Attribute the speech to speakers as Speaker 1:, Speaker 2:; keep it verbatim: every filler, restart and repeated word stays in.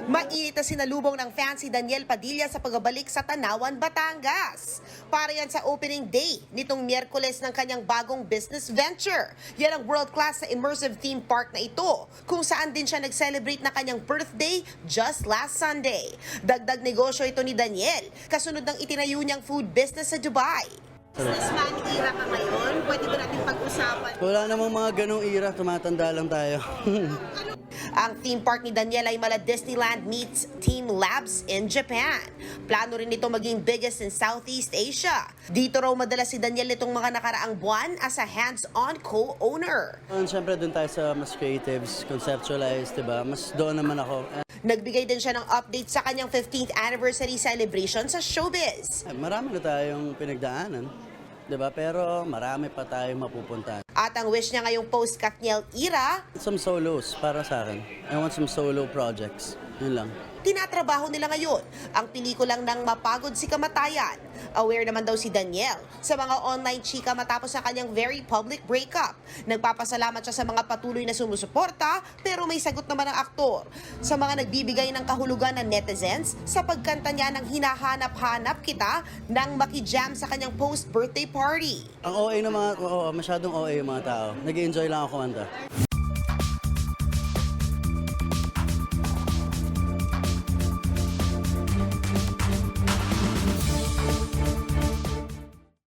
Speaker 1: Mainit na sinalubong ng fan si Daniel Padilla sa pagbabalik sa Tanawan, Batangas. Para yan sa opening day nitong Miyerkules ng kanyang bagong business venture. Yan ang world-class na immersive theme park na ito, kung saan din siya nag-celebrate na kanyang birthday just last Sunday. Dagdag negosyo ito ni Daniel, kasunod ng itinayo niyang food business sa Dubai. Businessman era ka ngayon, pwede ba natin pag-usapan?
Speaker 2: Wala namang mga ganong ira, tumatanda lang tayo.
Speaker 1: Ang theme park ni Daniel ay mala Disneyland meets Team Labs in Japan. Plano rin ito maging biggest in Southeast Asia. Dito raw madala si Daniel nitong mga nakaraang buwan as a hands-on co-owner.
Speaker 2: Siyempre doon tayo sa mas creatives, conceptualize, diba? Mas doon naman ako.
Speaker 1: Nagbigay din siya ng update sa kanyang fifteenth anniversary celebration sa showbiz.
Speaker 2: Marami na tayong pinagdaanan, diba? Pero marami pa tayong mapupuntahan.
Speaker 1: At ang wish niya ngayong post-Katniel era,
Speaker 2: Some solos para sa akin. I want some solo projects. Yun lang.
Speaker 1: tinatrabaho nila ngayon ang pelikulang Nang Mapagod si Kamatayan. Aware naman daw si Daniel sa mga online chika matapos ang kanyang very public breakup. Nagpapasalamat siya sa mga patuloy na sumusuporta, pero may sagot naman ang aktor sa mga nagbibigay ng kahulugan ng netizens sa pagkanta niya ng Hinahanap-hanap Kita nang makijam sa kanyang post-birthday party.
Speaker 2: Ang O A ng mga, oo, masyadong O A yung mga tao. Nag-enjoy lang ako kumanta.